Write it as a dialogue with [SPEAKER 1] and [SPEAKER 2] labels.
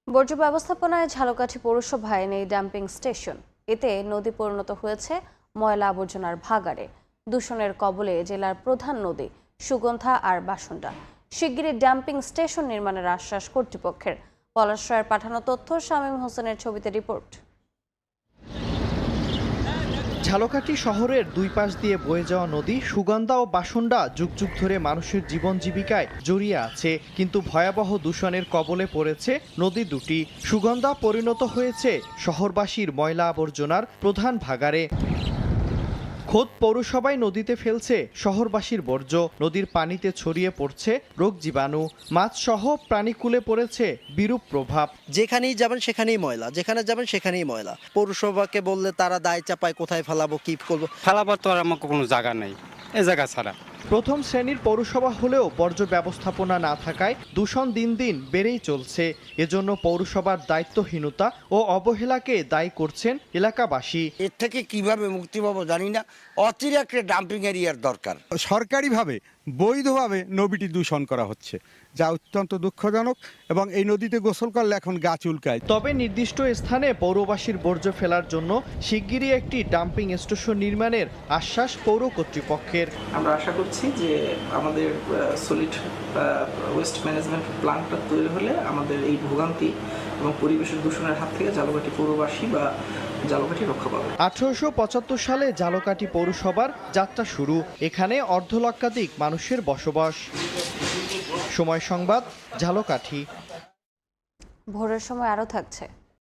[SPEAKER 1] বর্জ্য ব্যবস্থাপনায় ঝালকাঠি পৌরসভায় নেই ডাম্পিং স্টেশন। এতে নদী পরিণত হয়েছে ময়লা আবর্জনার ভাগাড়ে। দূষণের কবলে জেলার প্রধান নদী সুগন্ধা আর বাসুন্ডা। শিগগিরই ডাম্পিং স্টেশন নির্মাণের আশ্বাস কর্তৃপক্ষের। পলাশরায়ের পাঠানো তথ্য, শামীম হোসেনের ছবিতে রিপোর্ট।
[SPEAKER 2] ঝালকাঠি শহরের দুই পাশ দিয়ে বয়ে যাওয়া নদী সুগন্ধা ও বাসুন্ডা যুগ যুগ ধরে মানুষের জীবন জীবিকায় জড়িয়ে আছে, কিন্তু ভয়াবহ দূষণের কবলে পড়েছে নদী দুটি। সুগন্ধা পরিণত হয়েছে শহরবাসীর ময়লা আবর্জনার প্রধান ভাগাড়ে। খোদ পৌরসভায় নদীতে ফেলছে শহরবাসীর বর্জ্য। নদীর পানিতে ছড়িয়ে পড়ছে রোগ জীবাণু, মাছ সহ প্রাণীকুলে পড়েছে বিরূপ প্রভাব।
[SPEAKER 3] যেখানেই যাবেন সেখানেই ময়লা, যেখানে যাবেন সেখানেই ময়লা। পৌরসভাকে বললে তারা দায় চাপায় কোথায় ফেলাবো, কি করবো।
[SPEAKER 4] ফেলাবার তো আর আমার কোনো জায়গা নেই এ জায়গা ছাড়া।
[SPEAKER 2] প্রথম শ্রেণীর পৌরসভা হলেও বর্জ্য ব্যবস্থাপনা না থাকায় দূষণ দিন দিন বেড়েই চলছে। এজন্য পৌরসভার দায়িত্বহীনতা ও অবহেলাকে দায়ী করছেন এলাকাবাসী।
[SPEAKER 5] এর থেকে কিভাবে মুক্তি পাবো জানি না। অচিরে একটা ডাম্পিং এরিয়ার দরকার।
[SPEAKER 6] সরকারিভাবে বৈধভাবে নদীটি দূষণ করা হচ্ছে, যা অত্যন্ত দুঃখজনক, এবং এই নদীতে গোসল করলে এখন গা চুলকায়।
[SPEAKER 2] তবে নির্দিষ্ট স্থানে পৌরবাসীর বর্জ্য ফেলার জন্য শিগগিরই একটি ডাম্পিং স্টেশন নির্মাণের আশ্বাস পৌর কর্তৃপক্ষের।
[SPEAKER 7] আমরা আশা করছি যে আমাদের সলিড ওয়েস্ট ম্যানেজমেন্ট প্ল্যানটা তৈরি হলে আমাদের এই ভোগান্তি এবং পরিবেশের দূষণের হাত থেকে ঝালকাঠি পৌরবাসী বা ঝালকাঠি রক্ষা পাবে।
[SPEAKER 2] 1875 সালে ঝালকাঠি পৌরসভার যাত্রা শুরু। এখানে অর্ধলক্ষাধিক মানুষের বসবাস। সময় সংবাদ, ঝালকাঠি।
[SPEAKER 1] ভোরের সময় আরও থাকছে।